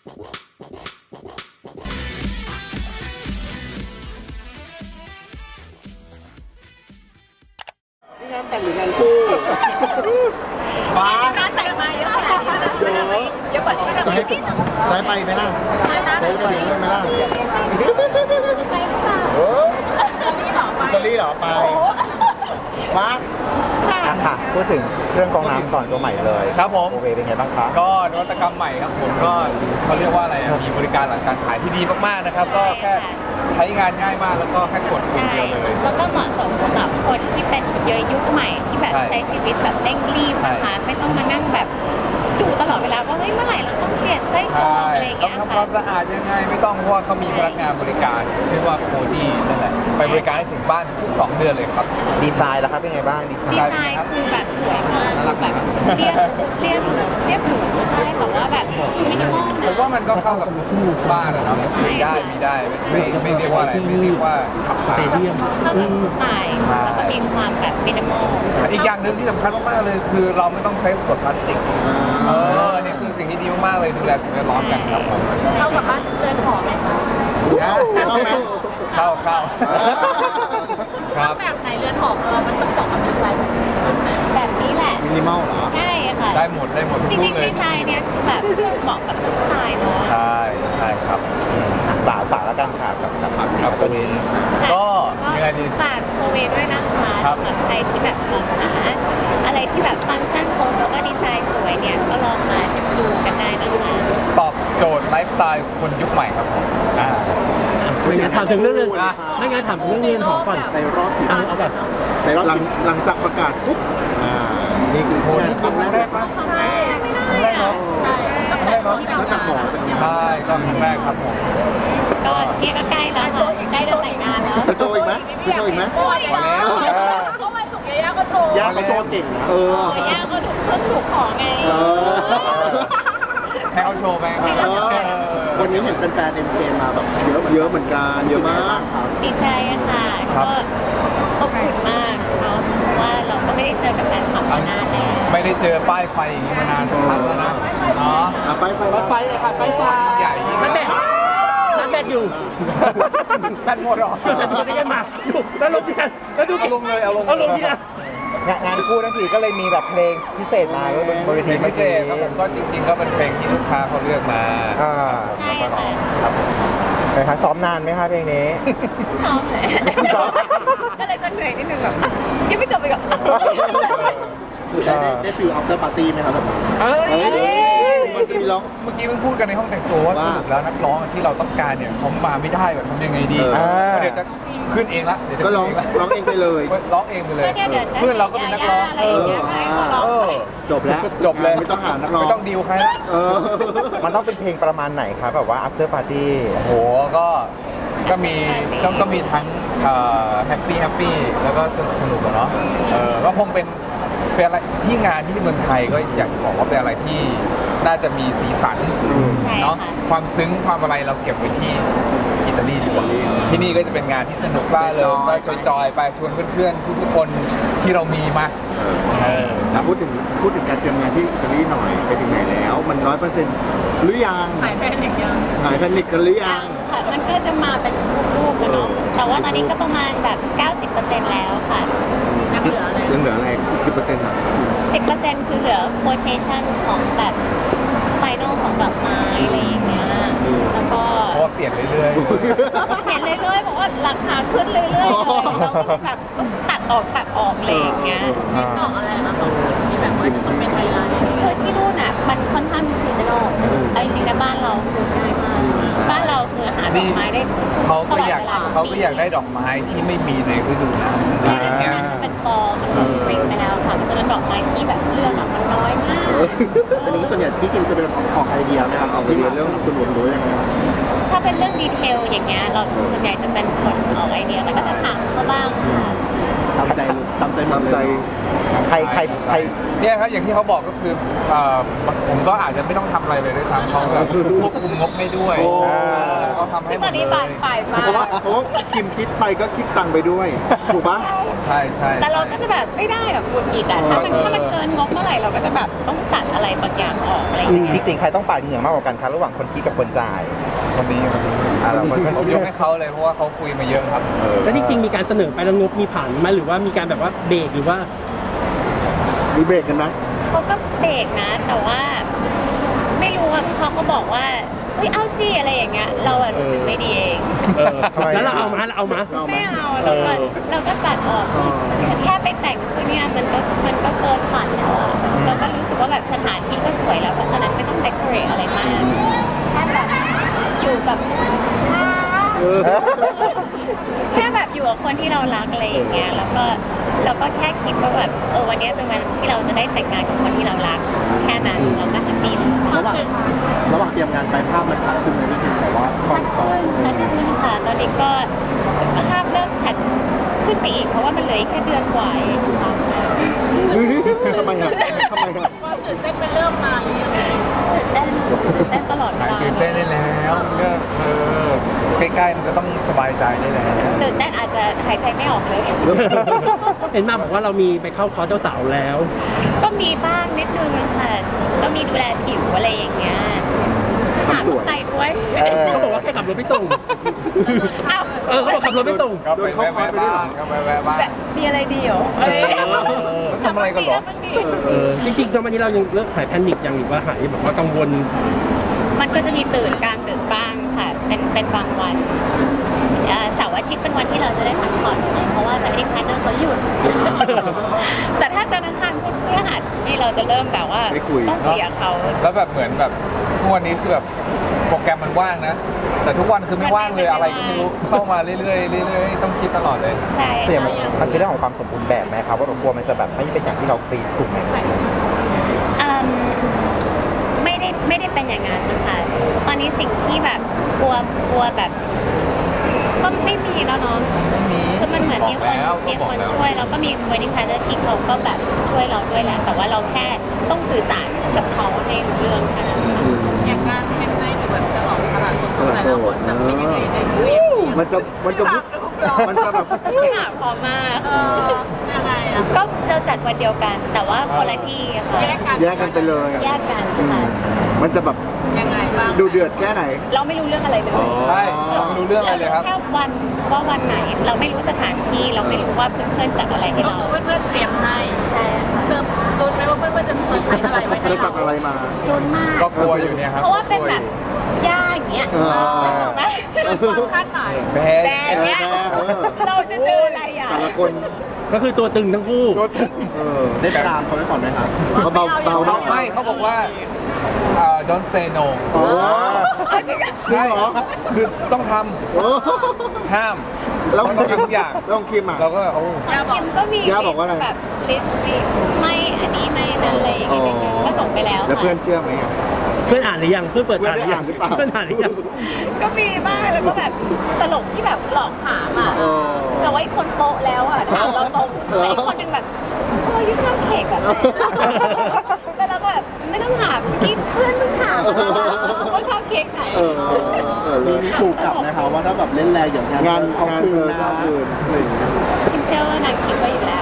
งานแต่งหรืองานคู่ป้าร้านแต่งมาเยอะขนาดนี้นะเยอะกว่าที่เราคิดได้ไปไหมล่ะได้ไปไหมล่ะไปหรือเปล่าอิตาลีเหรอไปมาค่ะพูดถึงเครื่องกรองน้ำก่อนตัวใหม่เลยครับผมโอเคเป็นไงบ้างคะก็นวัตกรรมใหม่ครับผมก็เขาเรียกว่าอะไรมีบริการหลังการขายที่ดีมากๆนะครับก็แค่ใช้งานง่ายมากแล้วก็แค่กดปุ่มเดียวเลยแล้วก็เหมาะสมสำหรับคนที่เป็นยุคใหม่ที่แบบใช้ชีวิตแบบเร่งรีบนะคะไม่ต้องมานั่งแบบดูตลอดเวลาว่าเฮ้ยเมื่อไหร่เราต้องเปลี่ยนไส้กรองอะไรอย่างต้อเงี้งยทำความสะอาดยังไงไม่ต้องเพราะว่าเขามีพนักงานบริการชื่อว่าโคดี้นั่นแหละไปบริการให้ถึงบ้านทุกๆ2 เดือนเลยครับดีไซน์แล้วครับเป็นไงบ้างดีไซดีน์ไซน์คือแบบสวยมากแบบเรียบหรูใช่แต่ว่าแบบมินิมอลผมว่ามันก็เข้ากับทุกบ้านนะเนาะมีได้ไม่เรียกว่าอะไรไม่เรียกว่าขับถ่ายเข้ากับสไตล์แล้วก็มีความแบบมินิมอลอีกอย่างหนึ่งที่สำคัญมากๆเลยคือเราไม่ต้องใช้ขวดพลาสติกนี่คือสิ่งที่ดีมากๆเลยดูแลสิ่งแวดล้อมกันครับผมเข้ากับบ้านเรือนหอไหมคะเข้าครับแบบไหนเรือนหอเรามันต้องบอกกับดีไซน์แบบนี้แหละมินิมอลเหรอใช่ค่ะได้หมดจริงๆดีไซน์เนี่ยแบบเหมาะกับทุกสไตล์เนาะใช่ครับฝากแล้วกันค่ะกับตัวนี้ก็ยังไงดีฝากโคเวด้วยนะคะสำหรับใครที่แบบมองหาอะไรที่แบบฟังก์ชันครบแล้วก็ดีไซน์สวยเนี่ยก็ลองมาดูกันได้นะคะตอบโจทย์ไลฟ์สไตล์คนยุคใหม่ครับผมไม่งั้นถามถึงเรื่องเรือนไม่งั้นถามเรื่องเรือนหอก่อนในรอบเอาแบบในรอบหลังจากประกาศปุ๊บนี่คือโพสต์ครั้งแรกปะครั้งแรกเนาะแล้วจากหอเป็นยังไงใช่ก็ครั้งแรกครับผมก็เนี่ยก็ใกล้แล้วค่ะใกล้จะแต่งงานแล้วจะโชว์อีกไหมจะโชว์อีกไหมพอแล้วเพราะวันศุกร์ย่าก็โชว์ย่าก็โชว์เก่งย่าก็ถูกขอไงให้เขาโชว์ไปวันนี้เห็นแฟนๆเอ็มเคมาแบบเยอะเหมือนกันเยอะมากดีใจค่ะก็อบอุ่นมากเนาะเพราะว่าเราก็ไม่ได้เจอกับแฟนคลับมานานแล้วไม่ได้เจอป้ายไฟอย่างนี้มานานสักพักแล้วนะเนาะไปเลยค่ะไฟใหญ่ชั้นแบตอยู่แบตหมดหรอจะกันมาดูแล้วลงที่กันแล้วดูลงเลยเอาลงที่กันงานคู่ทั้งทีก็เลยมีแบบเพลงพิเศษมาด้วยบนเวทีพิเศษครับผมก็จริงๆก็เป็นเพลงที่ลูกค้าเขาเลือกมาแล้วก็ร้องครับนะครับซ้อมนานไหมคะเพลงนี้ซ้อมเลยก็เลยจะเหนื่อยนิดนึงแบบยังไม่จบเลยกับได้ฟิลอัพเตอร์ปาร์ตี้ไหมครับแบบเมื่อกี้เพิ่งพูดกันในห้องแต่งตัวว่าสรุปแล้วนักร้องที่เราต้องการเนี่ยเขามาไม่ได้ก่อนทำยังไงดีเดี๋ยวจะขึ้นเองละเดี๋ยวก็ร้องเองไปเลยร้องเองไปเลยเพื่อนเราก็เป็นนักร้องจบเลยไม่ต้องหานักร้องไม่ต้องดีลใครละมันต้องเป็นเพลงประมาณไหนครับแบบว่า after party โหก็มีทั้งแฮปปี้แล้วก็สนุกเนาะก็คงเป็นอะไรที่งานที่เมืองไทยก็อยากจะบอกว่าเป็นอะไรที่น่าจะมีสีสันเนาะความซึ้งความอะไรเราเก็บไว้ที่อิตาลีดีกว่าที่นี่ก็จะเป็นงานที่สนุกบ้าเลยก็จอยไปชวนเพื่อนๆทุกคนที่เรามีมาพูดถึงการเตรียมงานที่อิตาลีหน่อยไปถึงไหนแล้วมัน 100%หรือยังหายแพนิคกันหรือยังมันก็จะมาเป็นรูปๆกันเนาะแต่ว่าตอนนี้ก็ประมาณแบบ 90% แล้วค่ะยังเหลืออะไร10%อ่ะ 10%คือเหลือ quotation ของแบบ final ของดอกไม้อะไรอย่างเงี้ยแล้วก็เพราะว่าเปลี่ยนเรื่อยๆบอกว่าราคาขึ้นเรื่อยๆเลยเราก็แบบต้องตัดออกอะไรอย่างเงี้ยของอะไรนะของที่แบบว่าจะต้องเป็นเวลาคือที่นู่นอ่ะมันค่อนข้างมีซีซันอลแต่จริงๆในบ้านเราคือง่ายมากบ้านเราคือหาดอกไม้ได้เขาก็อยากได้ดอกไม้ที่ไม่มีในฤดูหนาวอย่างเงี้ยเป็นฟอร์มันสปริงไปแล้วค่ะเพราะฉะนั้นดอกไม้ที่แบบเลือกมันน้อยมากอันนี้ส่วนใหญ่พี่คิมจะเป็นออกไอเดียไหมครับออกไอเดียเรื่องส่วนรวมหรือยังไงถ้าเป็นเรื่องดีเทลอย่างเงี้ยเราส่วนใหญ่จะเป็นคนออกไอเดียแล้วก็จะถามเขาบ้างค่ะทำใจใครเนี่ยครับอย่างที่เขาบอกก็คือผมก็อาจจะไม่ต้องทำอะไรเลยด้วยซ้ำเขาแบบควบคุมงบให้ด้วยโอ้ก็ทำให้ซึ่งหมตอดนเลนี้บานยปลายมาเพราะว่าคิมคิดไปก็คิดตังค์ไปด้วยถูกปะใช่ใช่แต่เราก็จะแบบไม่ได้แบบหงุดหงิดอ่ะถ้ามันเกินงบเมื่อไหร่เราก็จะแบบต้องตัดอะไรบางอย่างออกอะไรอย่างจเงี้ยริงๆใครต้องปาดเหงื่อมากกว่ากันคะระหว่างคนคิดกับคนจ่ายคนนี้เราคนผมยกให้เขาเลยเพราะว่าเขาคุยมาเยอะครับแล้วจริงๆมีการเสนอไปแล้วงบมีผ่านไหมหรือว่ามีการแบบว่าเบรกหรือว่ามีเบรกกันไหมเขาก็เบรกนะ แต่ว่าไม่รู้อ่ะเขาก็บอกว่าเฮ้ยเอาสิอะไรอย่างเงี้ยเราอะรู้สึกไม่ดีเองแล้วเราเอามาไม่เอาเราก็ตัดออกแค่ไปแต่งคือเนี่ยมันก็เกินฝันแล้วอะเราก็รู้สึกว่าแบบสถานที่ก็สวยแล้วเพราะฉะนั้นไม่ต้องเดคอเรทอะไรมากแค่แบบอยู่กับแค่แบบอยู่กับคนที่เรารักอะไรอย่างเงี้ยแล้วก็แค่คิดว่าแบบวันนี้เป็นวันที่เราจะได้แต่งงานกับคนที่เรารักแค่นั้นเราก็แฮปปี้ระหว่างเตรียมงานไปภาพมันชัดขึ้นไหมพี่คิมแต่ว่าชัดขึ้นค่ะตอนนี้ก็ภาพเริ่มชัดขึ้นไปอีกเพราะว่ามันเหลืออีกแค่เดือนกว่าเองค่ะทำไมอ่ะความตื่นเต้นเป็นเริ่มมาหรือยังตื่นเต้นตลอดเวหายลาตื่นเต้นได้แล้วก็ใกล้ๆมันก็ต้องสบายใจได้แล้วตื่นเต้นอาจจะหายใจไม่ออกเลยเห็นมาบอกว่าเรามีไปเข้าคอร์สเจ้าสาวแล้วก็มีบ้างนิดนึงค่ะก็มีดูแลผิวอะไรอย่างเงี้ยหาคนไปด้วยเขาบอกว่าแค่ขับรถไปส่งอ้าวเขาบอกขับรถไปส่งก็ไปแวะบ้างก็ไปแวะบ้างแบบมีอะไรดีเหรอทำอะไรกันเหรอจริงๆตอนนี้เรายังเลิกหายแพนิคยังหรือว่าหายแบบว่ากังวลมันก็จะมีตื่นกลางดึกบ้างค่ะเป็นบางวันเสาร์อาทิตย์เป็นวันที่เราจะได้พักผ่อนเพราะว่าจะให้พาร์ทเนอร์เขาหยุด แต่ถ้าจันทร์อังคารพุธพฤหัสนี่เราจะเริ่มแบบว่าต้องคุยกับเขาแล้วแบบเหมือนแบบทุกวันนี้คือแบบโปรแกรมมันว่างนะ แต่ทุกวันคือไม่ว่างเลยอะไรก็ไม่รู้เข้ามาเรื่อยๆเรื่อยๆต้องคิดตลอดเลยใช่เสี่ยงมันคือเรื่องของความสมบูรณ์แบบไหมครับว่าเรากลัวมันจะแบบไม่เป็นอย่างที่เราตีถูกไหมไม่ได้เป็นอย่างนั้นนะคะตอนนี้สิ่งที่แบบกลัวแบบก็ไม่มีแล้วเนาะไม่มีคือมันเหมือนมีคนช่วยแล้วก็มี wedding planner ที่เขาก็แบบช่วยเราด้วยแหละแต่ว่าเราแค่ต้องสื่อสารกับเขาให้รู้เรื่องแค่นั้นค่ะอย่างการเป็นในหรือแบบฉลองตลาดสดแต่ละคนจะเป็นยังไงในวีคมันจะแบบพี่หมากพร้อมมากยังไงอ่ะก็เราจัดวันเดียวกัน แต่ว่าคนละที่ค่ะแยกกันไปเลยแยกกันค่ะมันจะแบบยังไงบ้างดูเดือดแค่ไหนเราไม่รู้เรื่องอะไรเลยใช่เราไม่รู้เรื่องอะไรเลยครับแค่วันว่าวันไหน เราไม่รู้สถานที่เราไม่รู้ว่าเพื่อนๆจัดอะไรให้ก็เราคือเพื่อนๆเตรียมให้ใช่ค่ะเซิร์ฟลุ้นไหมว่าเพื่อนๆจะเซิร์ฟอะไรไว้ให้จะจัเราดอะไรมาลุ้นมากก็กลัวอยู่เนี่ยครับเพราะว่าเป็นแบบย่าอย่างเงี้ย ถูกไหมความคาดหมายแบแบรนด์เนี้ยเราจะเจออะไรอ่ะแต่ละคนก็คือตัวตึงทั้งคู่ตัวตึงได้ตามเขาไว้ก่อนไหมครับเบาเขาไม่เขาบอกว่าdon't say no โอ้จริงจริงเหรอคือต้องทโอ้ำห้ามแล้วต้องทำทุกอย่างแล้วคิมอ่ะเราก็โอ้คิมก็มีย่าบอกว่าอะไรแบบลิสต์ไม่อันนี้ไม่นั่นอะไรอย่างเงี้ยก็ส่งไปแล้วแล้วเพื่อนค่ะเชื่อไหมอ่ะเพื่อนอ่านหรือยังเพื่อนเปิดอ่านหรือยังเพื่อนได้อ่านหรือเปล่าเพื่อนอ่านหรือยังก็มีบ้างแล้วก็แบบตลกที่แบบหลอกถามอ่ะเออแต่ว่าอีกคนโป๊ะแล้วอ่ะถามเราตรงแต่อีกคนหนึ่งแบบยูชอบเค้กแบบไหนแล้วเราก็แบบไม่ต้องถามที่เพื่อนต้องถามว่าชอบเค้กไหนมีถูกกลับไหมคะว่าถ้าแบบเล่นแรงอย่างงานเอาคืนนะอะไรอย่างเงี้ยคิมเชื่อว่านางคิดไว้อยู่แล้ว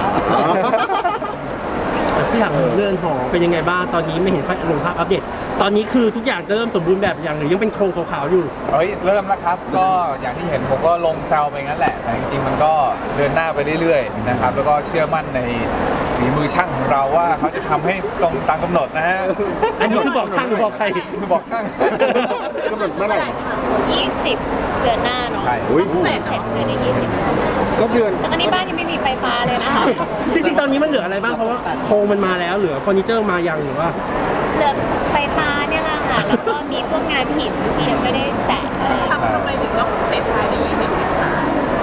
พี่ถามเรื่องหอเป็นยังไงบ้างตอนนี้ไม่เห็นค่อยลงภาพอัปเดตตอนนี้คือทุกอย่างจะเริ่มสมบูรณ์แบบอย่างหรือยังเป็นโครงขาวๆอยู่เฮ้ยเริ่มแล้วครับ ก็อย่างที่เห็นผมก็ลงแซวไปงั้นแหละ แต่จริงๆมันก็เดินหน้าไปเรื่อยๆนะครับ แล้วก็เชื่อมั่นในฝีมือช่างของเราว่าเขาจะทำให้ตรงตามกำหนดนะฮะอันนี้คือบอกช่างหรือบอกใครคือบอกช่างกำหนดเมื่อไหร่ 20 เดือนหน้าเนาะใช่อุ้ยเสร็จเดือนที่20 ก็เดือนแต่ตอนนี้บ้านยังไม่มีไฟฟ้าเลยนะคะจริงๆตอนนี้มันเหลืออะไรบ้างเพราะว่าโครงมันมาแล้วเหลือเฟอร์นิเจอร์มายังหรือว่าเหลือไฟฟ้าเนี่ยแหละค่ะ แล้วก็มีพวกงานหินที่ยังไม่ได้แตะอะไรทำไมถึงต้องเซ็ตท้ายใน20สิงหา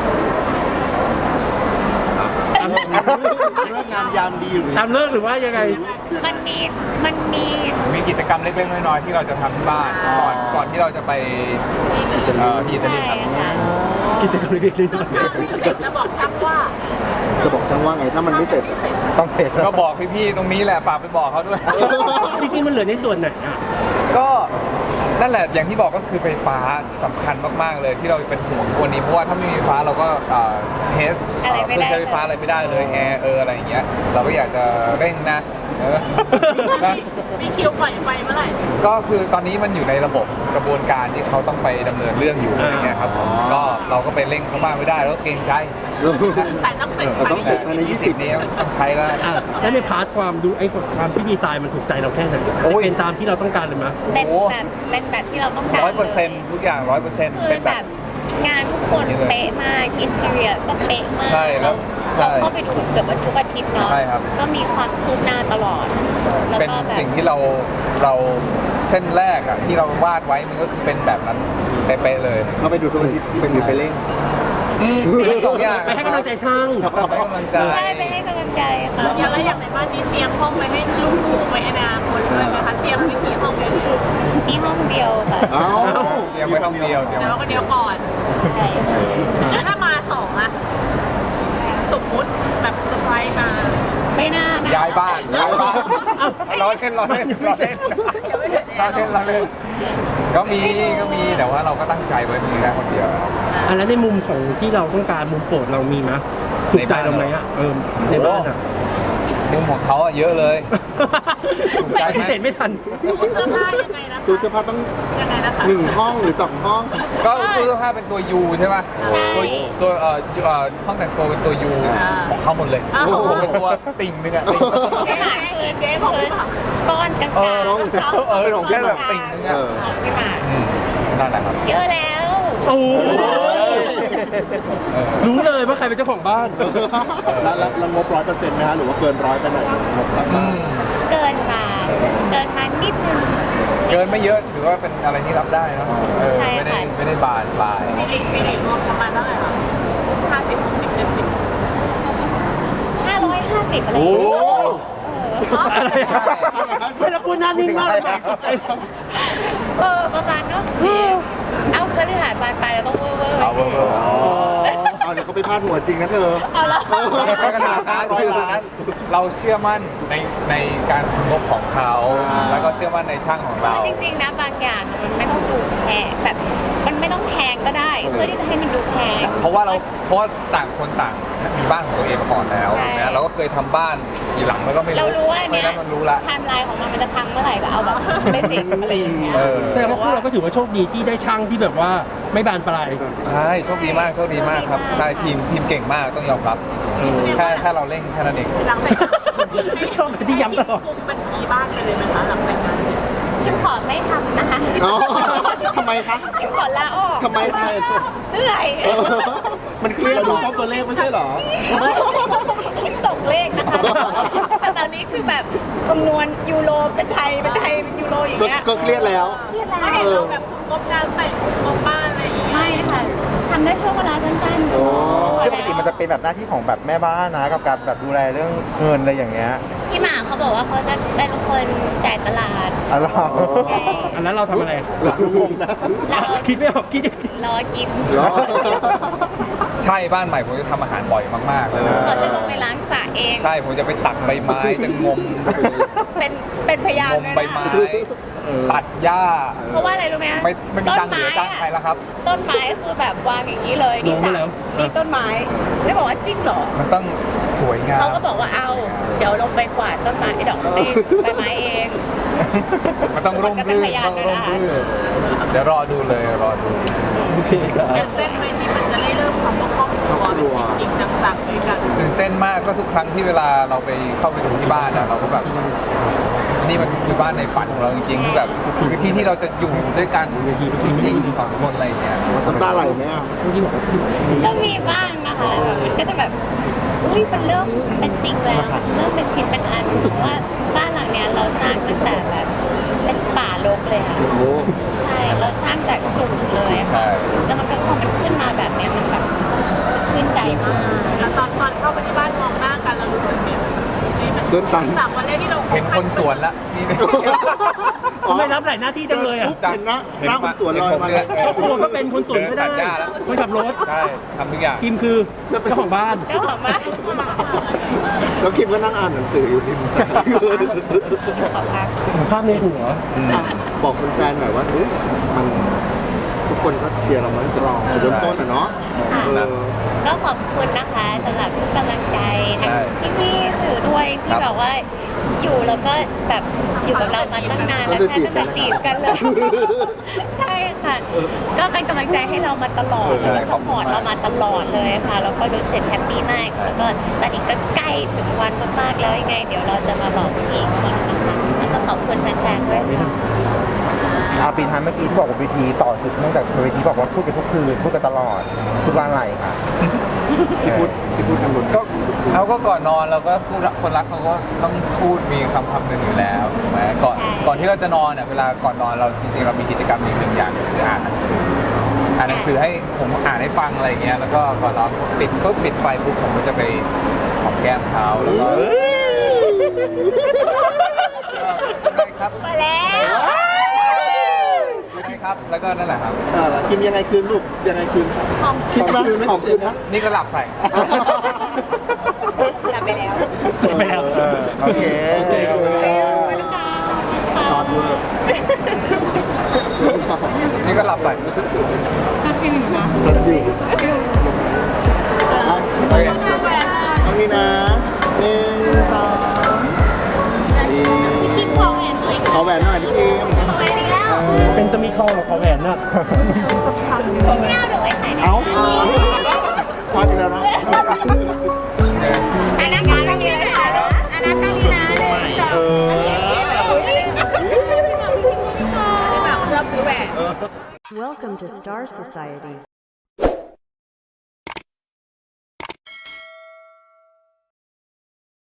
เรื่องงานยามดีอยู่ตามเลิกหรือว่ายังไงมันมีมีกิจกรรมเล็กๆน้อยๆที่เราจะทำที่บ้านก่อนที่เราจะไปที่อิตาลีใช่ครับค่ะกิจกรรมเล็กๆน้อยเสร็จแล้วบอกช่างว่าจะบอกช่างว่าไงถ้ามันไม่เสร็จต้องเสร็จก็บอกพี่ๆตรงนี้แหละฝากไปบอกเขาด้วยจริงๆมันเหลือในส่วนไหนอ่ะก็นั่นแหละอย่างที่บอกก็คือไฟฟ้าสำคัญมากๆเลยที่เราเป็นห่วงวันนี้เพราะว่าถ้าไม่มีไฟฟ้าเราก็เทสอะไรไม่ได้ใช้ไฟฟ้าอะไรไม่ได้เลยแอร์อะไรอย่างเงี้ยเราก็อยากจะเร่งนะนะมีคิวปล่อยไฟเมื่อไหร่ก็คือตอนนี้มันอยู่ในระบบกระบวนการที่เขาต้องไปดำเนินเรื่องอยู่อะไรเงี้ยครับก็เราก็ไปเร่งเขามากไม่ได้แล้วก็เกรงใจแต่ต้องเสร็จเราต้องเสร็จภายใน 20 นี้ต้องใช้แล้วอ่ะแล้วในพาร์ทความดูความที่ดีไซน์มันถูกใจเราแค่ไหนโอ้ยเป็นตามที่เราต้องการเลยมั้ยเป็นแบบที่เราต้องการ 100%ทุกอย่าง 100% คือเป็นแบแบบบงานทุกคนเป๊ะมากอินทีเรียก็เป๊ะมากใช่แล้วเราใช่เข้าไปดูเกือบว่าทุกอาทิตย์เนาะใช่ครับก็มีความคืบหน้าตลอดแล้วเป็นก็แบบสิ่งที่เราเส้นแรกอะที่เราวาดไว้มันก็คือเป็นแบบนั้นเป๊ะๆเลยเข้าไปดูทุกอาทิตย์เป็นอยู่ไปเร่งทั้งสองอย่างไปให้กำลังใจช่างไปให้กำลังใจใช่ไปให้กำลังใจค่ะแล้วอย่างในบ้านนี้เตรียมห้องไว้ให้ลูกหมูไว้อนาคตเลยไหมคะเตรียมมีกี่ห้องเลยมีห้องเดียวค่ะเอ้าเตรียมไว้ห้องเดียวเตรียมแล้วก็เดี๋ยวก่อนใช่แล้วถ้ามาสองอะสมมุติแบบเซอร์ไพรส์มาไม่น่านะย้ายบ้านร้อยเล่นก็มีแต่ว่าเราก็ตั้งใจไว้มีแค่คนเดียวอันนั้นในมุมของที่เราต้องการมุมโปรดเรามีมั้ยถูกใจเราไหมอ่ะในบ้านอ่ะมุมของเขาอะเยอะเลย ถูกใจไหมปฏิเสธไม่ทันตู้เสื้อผ้ายังไงนะตู้เสื้อผ้าต้องยังไงนะคะ 1 ห้องหรือ 2 ห้องก็ตู้เสื้อผ้าเป็นตัว U ใช่ไหมตัวห้องแต่งตัวเป็นตัว U ของเขาหมดเลยผมเป็นตัวติ่งนึงอะติ่งไม่หมายคือเจ๊ของก้อนกลางของแค่แบบติ่งนึงอะไม่หมายนั่นแหละครับเยอะแล้วโอ้รู้เลยว่าใครเป็นเจ้าของบ้านแล้วงบ100%ไหมฮะหรือว่าเกิน100ไปหน่อยงบสักบาทเกินมานิดนึงเกินไม่เยอะถือว่าเป็นอะไรที่รับได้เนอะใช่ไม่ได้ค่ะไม่ได้บานปลายซีรีส์รวมประมาณเท่าไหร่คะ50 60 70 550อะไรโอ้อะไรอะไม่แล้วคุณหน้านิ่งมากเลยประมาณเนาะเอาเครือข่ายบานปลายเราต้องเวอร์เอาเบอร์เอาเดี๋ยวเขาไปพาดหัวจริงนะเธอเอาละไม่ขนาดนั้น100 ล้าน เราเชื่อมั่นในการทำงบของเขา แล้วก็เชื่อมั่นในช่างของเราจริงๆนะบางอย่างมันไม่ต้องดูแพงแบบมันไม่ต้องแพงก็ได้ เพื่อที่จะให้มันดูแพงเพราะว่าต่างคนต่างมีบ้านของตัวเองมาก่อนแล้วใช่นะเราก็เคยทำบ้านกี่หลังแล้วก็ไม่รู้เรารู้ว่าเพราะเนี้ฉะยนั้นมันรู้ละไทม์ไลน์ของมันจะพังเมื่อไหร่ก็เอาแบบไม่สิกอะไรอย่างเงี้ยเออแสดงว่าพวกเราก็ถือว่าโชคดีที่ได้ช่างที่แบบว่าไม่บานปลายใช่โชคดีมากครับใช่ทีมเก่งมากต้องยอมรับแค่เราเร่งแค่นั้นเองหลังแต่งงานชอบที่ย้ำตลอดคุมบัญชีบ้านไปเลยไหมคะหลังแต่งงานคิมขอไม่ทำนะคะอ๋อทำไมคะคิมขอลาออกทำไมคะเหนื่อยมันเครียดดูชอบตัวเลขไม่ใช่เหรอคิดตกเลขนะคะ แต่ตอนนี้คือแบบคำนวณยูโรเป็นไทยเป็นยูโรอย่างเงี้ยก็เครียดแล้วเครียดไม่แล้เห็นวเราแบบคุมงบการแต่งคุมงบบ้านอะไรอย่างเงี้ยไม่ค่ะทำได้ช่วงเวลาสั้นๆโอ้ซึ่งปกติมันจะเป็นแบบหน้าที่ของแบบแม่บ้านนะกับการแบบดูแลเรื่องเงินอะไรอย่างเงี้ยพี่หมาเขาบอกว่าเขาจะเป็นคนจ่ายตลาดอะไรอันนั้นเราทำอะไรหลังมุมนะเราคิดไม่ออกคิดรอกินเหรอใช่บ้านใหม่ผมจะทำอาหารบ่อยมากๆเลยนะเขาจะลงไปล้างสระเองใช่ผมจะไปตักใบไม้จะงมเป็นพยานงมเลยนะใบไม้ตัดหญ้าเพราะว่าอะไรรู้ไหมไม่มีตังค์เหลือจ้างใครแล้วครับต้นไม้คือแบบวางอย่างนี้เลยนี่สระนี่ต้นไม้ได้บอกว่าจริงเหรอมันต้องสวยงามเขาก็บอกว่าเอา เดี๋ยวลงไปกวาดต้นไม้ดอกไม้ใบไม้เองมันต้องร่มรื่นต้องร่มรื่นเดี๋ยวรอดูเลยรอดูโอเคครับตื่นเต้นไหมที่มันจะได้เริ่มคำว่าครอบครัวเป็นจริงๆจังๆด้วยกันตื่นเต้นมากก็ทุกครั้งที่เวลาเราไปเข้าไปดูที่บ้านอะเราก็แบบนี่มันคือบ้านในฝันของเราจริงๆที่แบบคือที่ที่เราจะอยู่ด้วยกันจริงๆสองคนอะไรอย่างเงี้ยน้ำตาไหลไหมอ่ะก็มีบ้างนะคะแบบมันก็จะแบบอุ้ยมันเริ่มเป็นจริงแล้วมันเริ่มเป็นชิ้นเป็นอันถึงว่าบ้านหลังเนี้ยเราสร้างตั้งแต่แบบเป็นป่ารกเลยค่ะโอ้โหใช่เราสร้างจากศูนย์เลยอะค่ะแล้วมันก็พอมันขึ้นมาแบบเนี้ยมันแบบมันชื่นใจมากแล้วตอนเข้าไปที่บ้านมองหน้ากันเรารู้สึกไงนี่มันเดินตัน 3 วันแรกที่เราเห็นคนสวนละนี่ทำไมรับหลายหน้าที่จังเลยอ่ะเห็นนะหน้าคนสวนลอยมาเลยครอบครัวก็เป็นคนสวนก็ได้เนตัหญ้าแล้วคนขับรถใช่ทำทุกอย่างกิมคือเจ้าของบ้านเจ้าของบ้านแล้วคิมก็นั่งอ่านหนังสืออยู่ริมสระขอพักภาพในหัวอ่ะบอกแฟนๆหน่อยว่าเฮ้ยมันทุกคนก็เชียร์เรามาตั้งแต่เริ่มต้นอ่ะเนาะเออก็ขอบคุณนะคะสำหรับทุกกำลังใจทั้งใช่พี่ๆสื่อด้วยที่ครับแบบว่าอยู่แล้วก็แบบอยู่กับเรามาตั้งนานแล้วก็แค่จะตั้งแต่จีจีบบ กักัน นเลเลย ย ใช่ค่ะ ก็เป็นกำลังใจให้เรามาตลอดแล้วก็สปอร์ตเรามาตลอดเลยค่ะแล้วก็รู้สึกแฮปปี้มากแล้วก็ตอนนี้ก็ใกล้ถึงวันมากๆแล้วยังไง เดี๋ยวเราจะมาบอกพี่อีกทีนะคะแล้วก็ขอบคุณแฟนๆด้วยค่ะปีท้ายเมื่อกี้ที่บอกว่าเวทีต่อสุดเนื่องจากเวทีบอกว่าพูดกันทุกคืนพูดกันตลอดพูดว่าอะไรคะที่พูดกันหมดก็เขาก็ก่อนนอนเราก็พูดคนรักเขาก็ต้องพูดมีคำหนึ่งอยู่แล้วถูกไหมก่อนที่เราจะนอนเนี่ยเวลาก่อนนอนเราจริงๆเรามีกิจกรรมอีกหนึ่งอย่างคืออ่านหนังสือให้ผมอ่านให้ฟังอะไรอย่างเงี้ยแล้วก็ก่อนนอนปิดไฟปุ๊บผมก็จะไปหอมแก้มเขาแล้วก็ได้ครับมาแล้วได้ครับแล้วก็นั่นแหละครับกินยังไงคืนลูกยังไงคืนคิดว่าของคืนนะนี่ก็หลับใส่กลับไปแล้วไปแล้วโอเคขอบคุณครับค่ะซอสเวอร์นี่ก็หลับใส่ทันอยู่อ่ะโอเคตรงนี้นะหนึ่งสองดีคิดพอแหวนตัวเองขอแหวนหน่อยพี่คิมทำไมอีกแล้วเป็นจะมีคอหรอขอแหวนน่ะไม่เอาหรือไว้ไหนนะเอ้าทอดอีกแล้วนะอันนั้นการนี้เลยค่ะอันนั้นการนี้นะเออแบบชอบซื้อแหวน Welcome to Star Society.